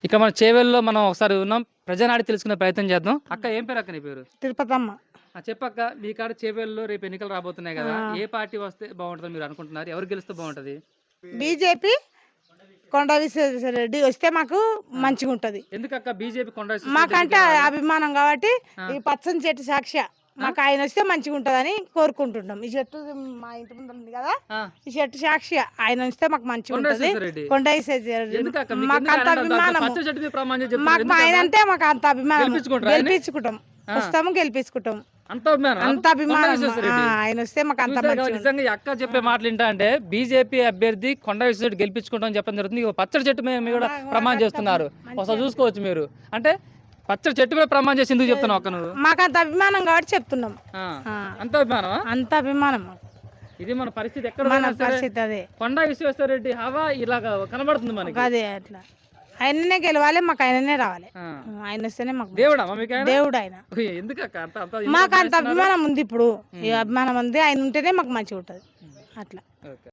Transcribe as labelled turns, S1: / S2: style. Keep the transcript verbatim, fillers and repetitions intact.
S1: ఇక మన చేవెల్లో మనం ఒకసారి ఉన్నాం. ప్రజానాడి తెలుసుకునే ప్రయత్నం చేద్దాం. అక్క ఏం పేరు అక్క నీ పేరు?
S2: తిరుపతమ్మ.
S1: ఆ! చెప్పక్క మీ కాడ చేవెల్లో రేపు ఎన్నికలు రాబోతున్నాయి గదా!
S2: ఆ!
S1: ఏ పార్టీ వస్తే బావుంటదని మీరు అనుకుంటున్నారు? ఎవరు గెలిస్తే బావుంటది?
S2: బీజేపీ కొండ విశ్వేశ్వరరెడ్డి వస్తే మాకు మంచిగుంటది.
S1: ఎందుకక్క బీజేపీ కొండ విశ్వేశ్వరరెడ్డి
S2: మాకంటే
S1: ఎందుకు రావాలి?
S2: అభిమానం కాబట్టి
S1: ఆ!
S2: ఈ పచ్చని చెట్టు సాక్ష్య మాకు ఆయన వస్తే మంచిగుంటదని కోరుకుంటున్నాం. ఈ చెట్టు మా ఇంటి ముందర ఉంది కదా,
S1: ఆ!
S2: ఈ చెట్టు సాక్షి ఆయన వస్తే మాకు
S1: కొండ
S2: మంచిగుంటది.
S1: విశ్వేశ్వరరెడ్డి.
S2: కొండ విశ్వేశ్వరరెడ్డి
S1: ఎందుకక్క మీకు
S2: మాకు
S1: ఎందుకు
S2: అంత
S1: ఆయన అంత
S2: అభిమానము.
S1: పచ్చ చెట్టు మీద ప్రమాణం చేసి చెప్తున్నారు?
S2: మాకు మా ఆయన
S1: ఎందుకక్క?
S2: అంటే మాకు అంత అభిమానం.
S1: గెలిపించుకుంటారా ఆయన్ని?
S2: గెలిపించుకుంటాం,
S1: ఆ!
S2: వస్తాము గెలిపించుకుంటాం.
S1: అంత అభిమానం
S2: అంత
S1: కొండ
S2: అభిమానం. ఆ,
S1: విశ్వేశ్వరరెడ్డి.
S2: ఆయన వస్తే మాకు అంత
S1: చూసారు కదా,
S2: మంచిగా
S1: నిజంగా ఈ అక్క చెప్పే మాటలు వింటా అంటే బీజేపీ అభ్యర్థి కొండ విశ్వేశ్వరరెడ్డి గెలిపించుకుంటాం చెప్పడం జరుగుతుంది. ఇగో పచ్చడి చెట్టు మీద మీరు కూడా ప్రమాణం చేస్తున్నారు. ఒకసారి చూసుకోవచ్చు మీరు. అంటే పచ్చడి చెట్టు మీద ప్రమాణం చేసి ఎందుకు చెప్తున్నావు అక్క నువ్వు?
S2: మాకు అంత అభిమానం కాబట్టి చెప్తున్నాం.
S1: ఆ.
S2: ఆ,
S1: అంత అభిమానమా?
S2: అంత అభిమానం మాకు.
S1: ఇది మన పరిస్థితి ఎక్కడ
S2: మన
S1: పోయినా సరే
S2: పరిస్థితి అదే
S1: కొండ విశ్వేశ్వరరెడ్డి హవా ఇలాగా కనబడుతుంది మనకి.
S2: అదే అట్లా ఆయననే గెలవాలి, మాకు ఆయననే రావాలి.
S1: ఆ.
S2: ఆయన వస్తేనే మాకు
S1: దేవుడా మీకు ఆయన?
S2: దేవుడు ఆయన.
S1: ఎందుకక్క అంత అంత
S2: మాకు అంత అభిమానం ఉంది. ఇప్పుడు ఈ అభిమానం ఉంది, ఆయన ఉంటేనే మాకు మంచిగా ఉంటుంది అట్లా.
S1: ఓకే.